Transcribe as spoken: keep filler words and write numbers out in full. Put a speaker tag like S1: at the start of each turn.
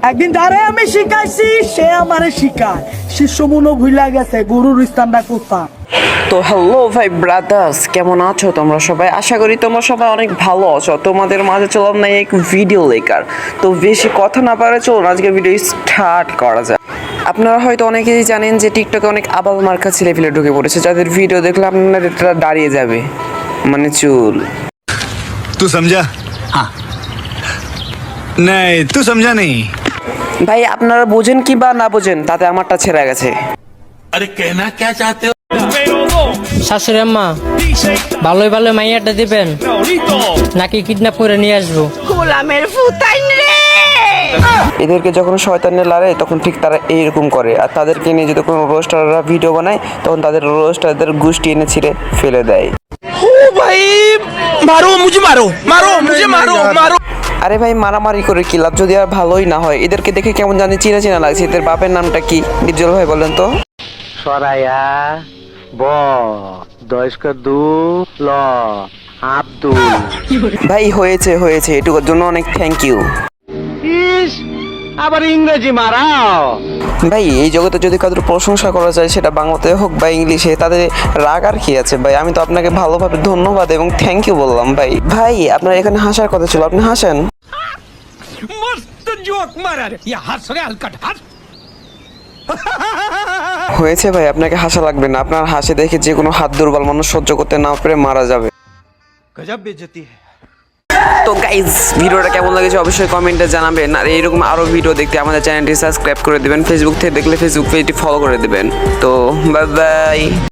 S1: একদিন যারে আমি শিখাইছি সে আমারে শিখায়, শিষ্য মনো ভুলা গেছে গুরুর স্থানটা কোথায়।
S2: তো হ্যালো ভাই ব্রাদার্স, কেমন আছো তোমরা সবাই? আশা করি তোমরা সবাই অনেক ভালো আছো। তোমাদের মাঝে চললাম না এক ভিডিও লেকার। তো বেশি কথা না পারে চলুন আজকে ভিডিও স্টার্ট করা যায়। আপনারা হয়তো অনেকেই জানেন যে টিকটকে অনেক আবাল মার্কা ছেলেপিলে ঢুকে পড়েছে, যাদের ভিডিও দেখলে আপনাদের এটা দাঁড়িয়ে যাবে, মানে চুল।
S3: तू समझा? हाँ नहीं तू समझा नहीं।
S2: ভাই আপনারা বোঝেন কি বা না বোঝেন, তাতে আমারটা ছেড়ে গেছে।
S4: अरे कहना क्या चाहते हो?
S5: শাশুড়ি আম্মা, ভালোই ভালো মাইয়াটা দিবেন নাকি কিডন্যাপ করে নিয়ে আসবো?
S2: এদেরকে যখন শয়তানে লাড়ে তখন ঠিক তারা এইরকম করে, আর তাদেরকে নিয়ে যদি কোনো রোস্টাররা ভিডিও বানায় তখন তাদের রোস্টারদের গুষ্টি এনে ছিঁড়ে ফেলে দেয়।
S4: मारो मुझे मारो मारो मुझे मारो मारो।
S2: আরে ভাই মারামারি করে কি লাভ যদি আর ভালোই না হয়? এদেরকে দেখে কেমন জানি চিনা চিনা লাগছে। এদের বাপের নামটা কি বিজ্জল ভাই বলেন তো?
S6: সরাইয়া ব দয়স্ক দু ল আব্দুল।
S2: ভাই হয়েছে হয়েছে, এটুকুর জন্য অনেক থ্যাংক ইউ।
S6: ইস আবার ইংরেজি মারাও।
S2: ভাই এই জগতে যদি কারোর প্রশংসা করা যায় সেটা বাংলাতে হোক বা ইংলিশে, তাদের রাগ আর কি আছে ভাই? আমি তো আপনাকে ভালোভাবে ধন্যবাদ এবং থ্যাংক ইউ বললাম ভাই। ভাই আপনার এখানে হাসার কথা ছিল, আপনি হাসেন।
S4: मस्त जोक मारा रे ये हंस रे हलकट हंस।
S2: হয়েছে ভাই, আপনাকে হাসা লাগবে না। আপনার হাসি দেখে যে কোনো হাত দুর্বল মানুষ সহ্য করতে না পেরে মারা যাবে।
S4: गजब बेइज्जती है।
S2: তো গাইজ ভিডিওটা কেমন লাগেছে অবশ্যই কমেন্টে জানাবেন, আর এইরকম আরও ভিডিও দেখতে আমাদের চ্যানেলটি সাবস্ক্রাইব করে দেবেন, ফেসবুক থেকে দেখলে ফেসবুক পেজটি ফলো করে দেবেন। তো বাই বাই।